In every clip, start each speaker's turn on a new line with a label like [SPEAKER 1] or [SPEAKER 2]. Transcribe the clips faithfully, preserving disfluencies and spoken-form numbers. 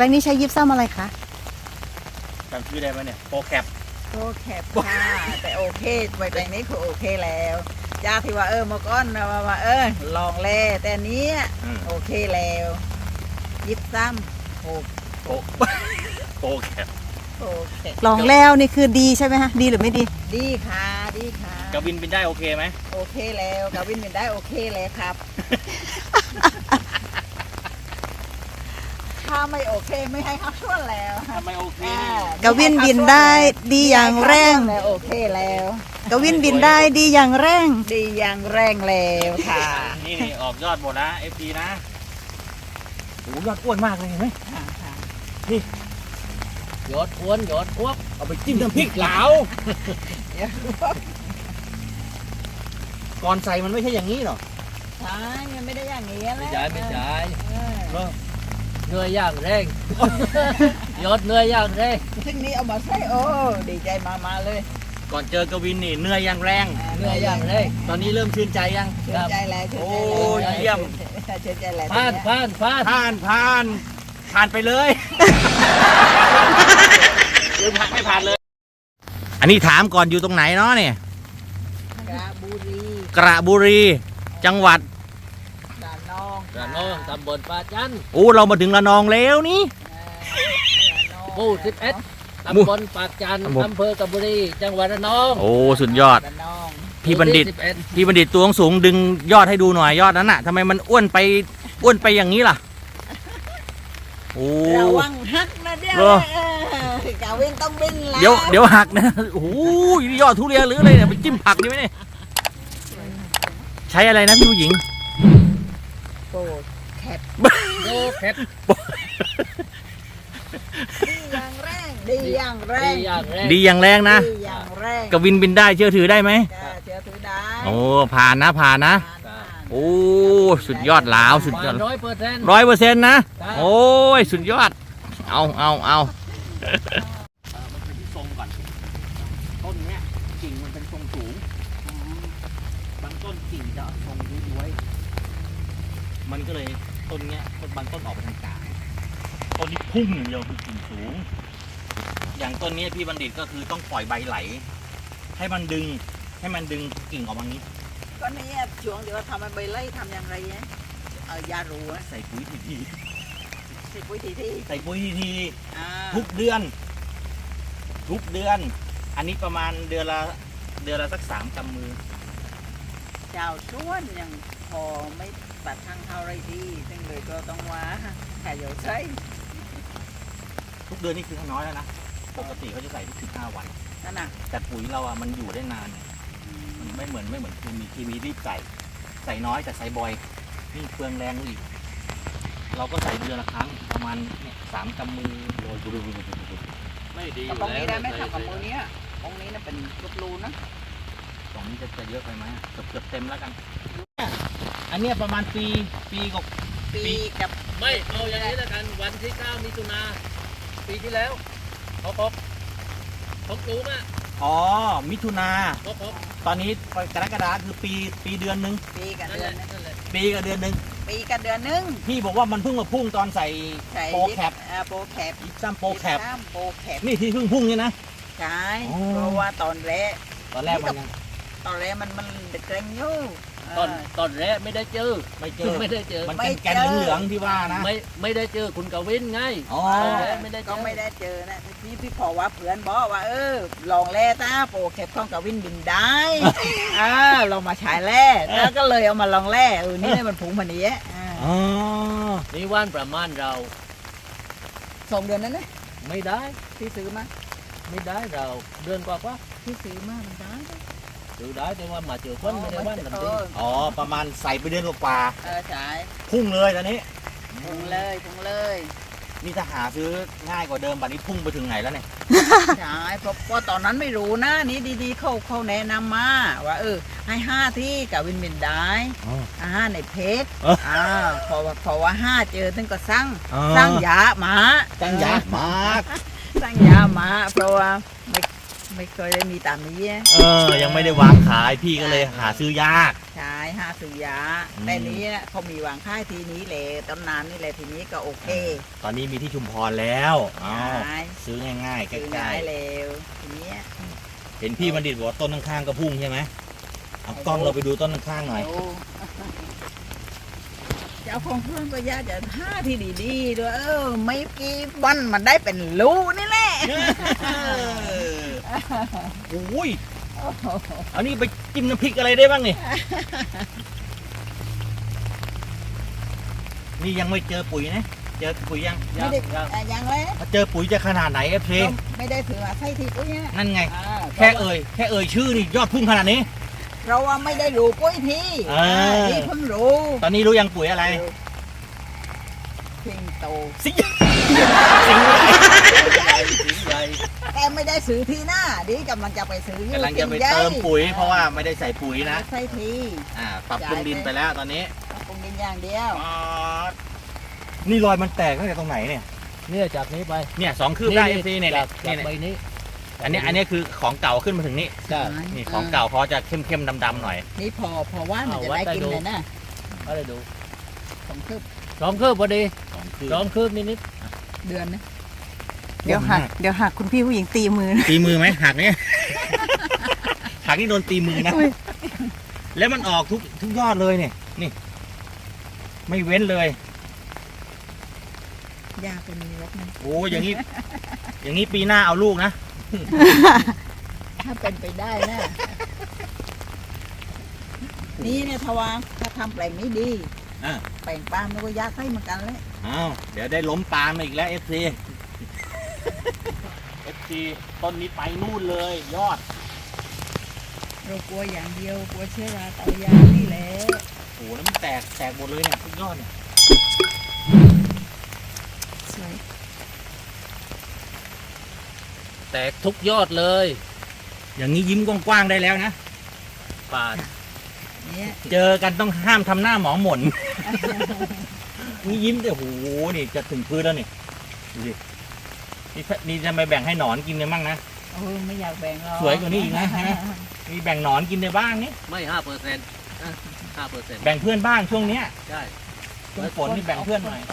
[SPEAKER 1] ลงนี้ใช้ยิปซัมอะไรคะ
[SPEAKER 2] จำชื่อได้ไหมเนี่ยโปรแคป
[SPEAKER 3] โปรแคปค่ะแต่โอเคใบแปลงนี้คือโอเคแล้วจากที่ว่าเออเมื่อก่อนนะว่าเออลองแลแต่นี้โอเคแล้วยิบซ้ำโอ
[SPEAKER 2] โปรโปรแคป
[SPEAKER 3] โอเค
[SPEAKER 1] ลองแล้วนี่คือดีใช่ไหมฮะดีหรือไม่ดี
[SPEAKER 3] ดีค่ะดีค่ะ
[SPEAKER 2] กวินบินได้โอเคไหม
[SPEAKER 3] โอเคแล้วกวินบินได้โอเคเลยครับถ้าไม่โอเคไม่ให้เขาช่วยแล้ว
[SPEAKER 2] ทำไมโอเค
[SPEAKER 1] กวินบินได้ดีอย่างแรง
[SPEAKER 3] โอเคแล้ว
[SPEAKER 1] กวินบินได้ดีอย่างแรง
[SPEAKER 3] ดีอย่างแรงแล้วค่ะ
[SPEAKER 2] นี่นี่ออกยอดหมดนะเอฟซีนะโอ้ยอดอ้วนมากเลยเห็นไหมนี่
[SPEAKER 4] ยอดอ้วนยอดอ้วก
[SPEAKER 2] เอาไปจิ้มน้ำพริกเหลาก่อนใส่มันไม่ใช่อย่างนี้หรอ
[SPEAKER 3] ใช่มันไม่ได้อย่างนี้แล้ว
[SPEAKER 4] ไม่ใช่ไม่ใช่เนื้อย่างแรงยอดเนื้อย่างแรง
[SPEAKER 3] ซึ่งนี้เอามาใส่โอ้ดีใจมามาเลย
[SPEAKER 2] ก่อนเจอกวินนี่เนื้อย่างแรง
[SPEAKER 4] เนื้อย่างแรง
[SPEAKER 2] ตอนนี้เริ่มชื่นใจยัง
[SPEAKER 3] ชื่นใจแล้ว
[SPEAKER 2] โอ้เยี่ยม
[SPEAKER 3] ชื่นใจแล้ว
[SPEAKER 4] ผ่านผ่านผ่าน
[SPEAKER 2] ผ่านผ่านผ่านไปเลยหรือผ่านไม่ผ่านเลยอันนี้ถามก่อนอยู่ตรงไหนเนาะเนี่ย
[SPEAKER 3] กระบุรี
[SPEAKER 2] กระบุรีจังหวัด
[SPEAKER 3] ระนอง
[SPEAKER 4] ระนองตำบลปาจัน
[SPEAKER 2] โอ้เรามาถึงระนองแล้วนี่
[SPEAKER 4] หมู่สิบเอ็ดตำบลปากจันอำเภอกระบุรีจังหวัดระนอง
[SPEAKER 2] โอ้สุดยอดพี่บัณฑิตพี่บัณฑิตตัวสูงดึงยอดให้ดูหน่อยยอดนั้นน่ะทำไมมันอ้วนไปอ้วนไปอย่างนี้ล่ะโอ้
[SPEAKER 3] ระวังหักนะเดี๋ยวกาวินต้องบินแล้ว
[SPEAKER 2] เดี๋ยวเดี๋ยวหักนะโอ้ยยอดทุเรียนหรืออะไรเนี่ยไปจิ้มผักดีไหมเนี่ยใช้อะไรนะพี่ผู้หญิง
[SPEAKER 3] โปรแคป
[SPEAKER 4] โปรแคป
[SPEAKER 3] ดีอย่างแรงดีอย่างแรง
[SPEAKER 2] ดีอย่างแรงนะกวินบินได้เชื่อถือได้ไหม
[SPEAKER 3] เชื่อถือได้
[SPEAKER 2] โอ้ผ่านนะผ่านนะโอ้สุดยอดหลาวสุดยอด
[SPEAKER 4] ร้อยเปอร์เซ็นต์
[SPEAKER 2] ร้อยเปอร์เซ็นต์นะโอ้ยสุดยอดเอาเอาเอามันเป็นที่ทรงก่อนต้นเนี้ยกิ่งมันเป็นทรงสูงบางต้นกิ่งจะทรงย้วยๆมันก็เลยต้นเนี้ยบางต้นออกไปทางกลางต้นนี้พุ่งอย่างเดียวคือกิ่งสูงอย่างต้นนี้พี่บัณฑิตก็คือต้องปล่อยใบไหลให้มันดึงให้มันดึงกิ่งออกมานี้
[SPEAKER 3] ก็นี่ช่วงเดี๋ยวทำมันใบไล่ทำอย่างไรเนี่ยเออยารู
[SPEAKER 2] ใส่ปุ๋ยทีที
[SPEAKER 3] ใส่ปุ๋ยทีที
[SPEAKER 2] ใส่ปุ๋ยทีทีทุกเดือนทุกเดือนอันนี้ประมาณเดือนละเดือนละสักสามกำมือ
[SPEAKER 3] เจ้าส่วนอย่างพอไม่ตัดทางเท่าไรดีซึ่งเลยก็ต้องว่าแค่เดี๋ยวใช้
[SPEAKER 2] ทุกเดือนนี่คือน้อยแล้วนะปกติเขาจะใส่ทุกสิบห้าวัน
[SPEAKER 3] นั่นน่ะ
[SPEAKER 2] แต่ปุ๋ยเราอ่ะมันอยู่ได้นานมันไม่เหมือนไม่เหมือนเคมีเคมีรีบใส่ใส่น้อยแต่ใส่บ่อยนี่เปลืองแรงอีกเราก็ใส่เดือนละครั้งประมาณสามกำมือโรย
[SPEAKER 4] ไม่ดี
[SPEAKER 3] ตรงนี้ได้ไหมครับกับมือนี้ตรงนี้น่ะเป็นลูกรูนะ
[SPEAKER 2] ตรงนี้จะจะเยอะไปไหมเกือบเกือบเต็มแล้วกันอันนี้ประมาณปีปีกับ
[SPEAKER 3] ปีกับ
[SPEAKER 4] ไม่เอาอย่างนี้แล้วกันวันที่เก้ามิถุนาปีที่แล้วเขาพบเขาปลูกอ่ะ
[SPEAKER 2] อ๋อมิถุนา
[SPEAKER 4] เขาพบ
[SPEAKER 2] ตอนนี้กรกฎาคือปีปีเดือนหนึ่ง
[SPEAKER 3] ปีกับเดือน
[SPEAKER 2] ปีกับเดือนหนึ่ง
[SPEAKER 3] ปีกับเดือนหนึ่ง
[SPEAKER 2] พี่บอกว่ามันเพิ่งมาพุ่งตอนใส่โปรแคป
[SPEAKER 3] โปรแคป
[SPEAKER 2] ยิปซัมโปรแคป
[SPEAKER 3] โปรแคป
[SPEAKER 2] นี่ที่เพิ่งพุ่งนี่นะ
[SPEAKER 3] ใช่เพราะว่าตอนแรก
[SPEAKER 2] ตอนแรกมันยัง
[SPEAKER 3] ตอนแรกมันมันเกรงอยู่
[SPEAKER 4] ตอนตอนแรกไม่ได้เจอ
[SPEAKER 2] ไม่เจอ
[SPEAKER 4] ไม่ได้เจอ
[SPEAKER 2] มันเป็นแกนเหลืองที่ว่านะ
[SPEAKER 4] ไม่ไม่ได้เจอคุณกวินไง
[SPEAKER 2] อ๋อ
[SPEAKER 3] ไม่ได้ก็ไม่ได้เจอนะพี่พี่พอว่าเพื่อนบอกว่าเออลองแร่ตาโปรแคปของกวินบินได้อ่าลองมาฉายแร่แล้วก็เลยเอามาลองแร่เออนี่มันผงพันนี้
[SPEAKER 2] อ๋อ
[SPEAKER 4] นี่ว่านประมาณเรา
[SPEAKER 3] สองเดือนนั้นนะ
[SPEAKER 4] ไม่ได้
[SPEAKER 3] พี่ซื้อมา
[SPEAKER 4] ไม่ได้เราเดือนกว่าว่า
[SPEAKER 3] พี่ซื้อมามันได้
[SPEAKER 4] ซื้อได้แต่ว่ามาเจอคนไม่ได้ว่านกันดี
[SPEAKER 2] อ๋อประมาณใส่ไปเดือนกว่า
[SPEAKER 3] เออใช่
[SPEAKER 2] พุ่งเลยตอนนี้
[SPEAKER 3] พุ่งเลยพุ่งเลย
[SPEAKER 2] นี่ถ้าหาซื้อง่ายกว่าเดิมบัดนี้พุ่งไปถึงไหนแล้วเนี่ย
[SPEAKER 3] ใช่เพราะเพราะตอนนั้นไม่รู้นะนี่ดีๆเขาเขาแนะนำมาว่าเออให้ห้าที่กับวินบินได้ห้าในเพจอ่าพอพอว่าห้าเจอท่านก็สั่งสั่งยาหมา
[SPEAKER 2] สั่งยาหมา
[SPEAKER 3] สั่งยาหมาเพราะว่าไม่ไม่เคยได้มีตามนี้
[SPEAKER 2] เออยังไม่ได้วางขายพี่ก็เลยหาซื้อยาก
[SPEAKER 3] ใช่ห้าซื้อยา
[SPEAKER 2] อืม
[SPEAKER 3] แต่นี้เขามีวางค่ายทีนี้เลยต้นนานนี่แหละทีนี้ก็โอเค
[SPEAKER 2] ตอนนี้มีที่ชุมพรแล้วอ้าว
[SPEAKER 3] ใช่
[SPEAKER 2] ซื้อง่ายๆใก
[SPEAKER 3] ซื้อ
[SPEAKER 2] ล้
[SPEAKER 3] ง่ายเร็วทีนี้
[SPEAKER 2] ๆเห็นพี่บัณฑิตบอกว่าต้นข้างๆก็พุ่งใช่ไหมเอากล้องเราไปดูต้นข้างๆหน่อย
[SPEAKER 3] โอ้เจ้าของเพื่อนก็ยาจะท่าที่ดีๆด้วยเออไม่กี่วันมันได้เป็นลูกนี่แหละ
[SPEAKER 2] โอ้ยอันนี้ไปจิ้มน้ำพริกอะไรได้บ้างนี่ นี่ยังไม่เจอปุ๋ยนะ เจอปุ๋ยยัง
[SPEAKER 3] ไม่ได้อ่ะยังเลย
[SPEAKER 2] ถ้าเจอปุ๋ยจะขนาดไหนเอฟซี
[SPEAKER 3] ไม่ได้ถือว่าใช่ทีปุ้ยเนี่ย
[SPEAKER 2] นั่นไง
[SPEAKER 3] อ่า
[SPEAKER 2] แค่เอ่ย แค่เอ่ยชื่อนี่ยอดพุ่งขนาดนี้
[SPEAKER 3] เราว่าไม่ได้รู้ปุ้ยที
[SPEAKER 2] อ่า
[SPEAKER 3] ที่เพิ่งรู้
[SPEAKER 2] ตอนนี้รู้ยังปุ๋ยอะไร
[SPEAKER 3] พิงโต
[SPEAKER 2] สิงสิงห์ใหญ่
[SPEAKER 4] สิงใหญ่
[SPEAKER 3] แต่ไม่ได้ซื้อทีหน้าดิกำลังจะไปซื้ออยู่
[SPEAKER 2] กำลังจะไป
[SPEAKER 3] สิงห์ใหญ่
[SPEAKER 2] เติมปุ๋ย เพราะว่าไม่ได้ใส่ปุ๋ยนะ
[SPEAKER 3] ใช่ที
[SPEAKER 2] อ่า ปรับปรุงดินไปแล้วตอนนี้
[SPEAKER 3] ปรุงดินอย่างเดียว
[SPEAKER 2] นี่รอยมันแตกตั้งแต่ตรงไหนเนี่ย
[SPEAKER 4] เนี่ยจากนี้ไป
[SPEAKER 2] เนี่ยสองคืบได้เอฟซีเนี่ย
[SPEAKER 4] จาก
[SPEAKER 2] เนี่
[SPEAKER 4] จาย ก
[SPEAKER 2] เนี่ย
[SPEAKER 4] ใบนี้
[SPEAKER 2] อันนี้อันนี้คือของเก่าขึ้นมาถึงนี่
[SPEAKER 4] ใช่
[SPEAKER 2] นี่ของเก่าเขาจะเข้มเข้มดำดำๆหน่อย
[SPEAKER 3] นี่พอพอว่ามันจะ
[SPEAKER 4] เอาวัด
[SPEAKER 3] ได้
[SPEAKER 4] ไป
[SPEAKER 3] กิน
[SPEAKER 4] ดู
[SPEAKER 3] เลยนะ
[SPEAKER 4] ก็เลยดู
[SPEAKER 3] สองคืบ
[SPEAKER 4] สองคืบพอดี
[SPEAKER 2] สองคืบ
[SPEAKER 4] สองคืบนิด
[SPEAKER 3] เดือนนะ
[SPEAKER 1] เดี๋ยวหักเดี๋ยวหักคุณพี่ผู้หญิงตีมือนะ
[SPEAKER 2] ตีมือไหมหักเนี่ย หักนี่โดนตีมือนะ แล้วมันออกทุกทุกยอดเลยเนี่ยนี่ ไม่เว้นเลย
[SPEAKER 3] ยาเป็นมีรสนะ
[SPEAKER 2] โอ้อย่างนี้ อย่างนี้ปีหน้าเอาลูกนะ
[SPEAKER 3] ถ้าเป็นไปได้นะ นี่เนี่ยทวารถ้าทำแปลงนี้ดี
[SPEAKER 2] อ่า
[SPEAKER 3] แปลงปาล์มนี่ก็ยากให้เหมือนกันเลย
[SPEAKER 2] อ้าวเดี๋ยวได้ล้มปาล์มมาอีกแล้วเอฟซีเอฟซีต้นนี้ไปนู่นเลย ยอด
[SPEAKER 3] เรากลัวอย่างเดียวกลัวเชื้อราเตายานี่แหละ
[SPEAKER 2] โอ้โหแล้วมันแตกแตกหมดเลยเนี่ยทุกยอดเนี่ย
[SPEAKER 3] สวย
[SPEAKER 4] ๆ แตกทุกยอดเลย
[SPEAKER 2] อย่างนี้ยิ้มกว้างๆได้แล้วนะ
[SPEAKER 4] ปาด
[SPEAKER 3] เนี่ย
[SPEAKER 2] เจอกันต้องห้ามทำหน้าหมองหม่น นี่ยิ้มแต่โหนี่จะถึงพื้นแล้วนี่ดูดินี่ถ้านี่จะไปแบ่งให้หนอนกินกันบ้างนะ
[SPEAKER 3] โอ้ไม่อยากแบ่งหรอก
[SPEAKER 2] สวยกว่านี้อีกนะฮะ มีแบ่งหนอนกินได้บ้างนี่
[SPEAKER 4] ไม่ห้าเปอร์เซ็นต์ห้าเปอร์เซ็นต์
[SPEAKER 2] แบ่งเพื่อนบ้างช่วงเนี้ย
[SPEAKER 4] ใช่
[SPEAKER 2] ช่วงฝนนี่แบ่งเพื่อนหน่อย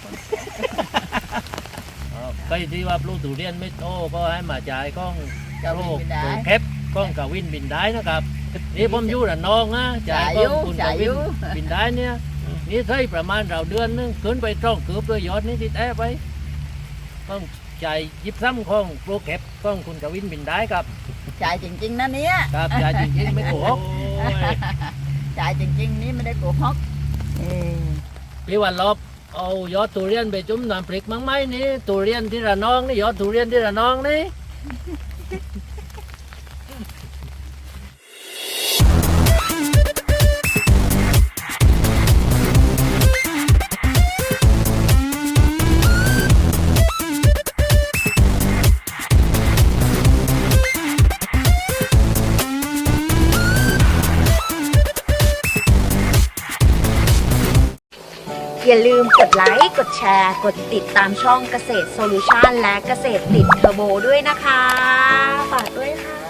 [SPEAKER 4] ใครที่ว่าปลูกทุเรียนไม่โตก็ให้มาจ่ายก้อง
[SPEAKER 3] จะ
[SPEAKER 4] โร
[SPEAKER 3] วิ่ง
[SPEAKER 4] ค
[SPEAKER 3] ไปได้
[SPEAKER 4] ตัวแคปก้องกับวินบินได้นะครับ นี่ผมอยู่ระนองนะจ่าย
[SPEAKER 3] จ่าย
[SPEAKER 4] ก้
[SPEAKER 3] อยู่
[SPEAKER 4] องคุณกับวิน
[SPEAKER 3] จ่ายอยู่
[SPEAKER 4] บินได้เนี่ยนี่ใช้ประมาณเราเดือนนึงขึ้นไปตรงเกือบด้วยยอดนี้ที่แต้ไปต้องจ่ายยิบซ้ำของโปรแคปก้องคุณกับวินบินได้ครับ
[SPEAKER 3] จ่ายจริงๆนะเนี่ย
[SPEAKER 4] ครับจ่ายจริงๆไม่โกหก
[SPEAKER 2] โอ้ย
[SPEAKER 3] จ่ายจริงๆนี่ไม่ได้โกหก
[SPEAKER 1] เออ
[SPEAKER 4] พี่วันลบเอายอดทุเรียนไปจุ่มน้ำพริกมั้งไหมนี่ทุเรียนที่ระนองนี่ยอดทุเรียนที่ระนองนี่
[SPEAKER 5] อย่าลืมกดไลค์ กดแชร์ กดติดตามช่องเกษตรโซลูชันและเกษตรติดเทอร์โบด้วยนะคะ ฝากด้วยค่ะ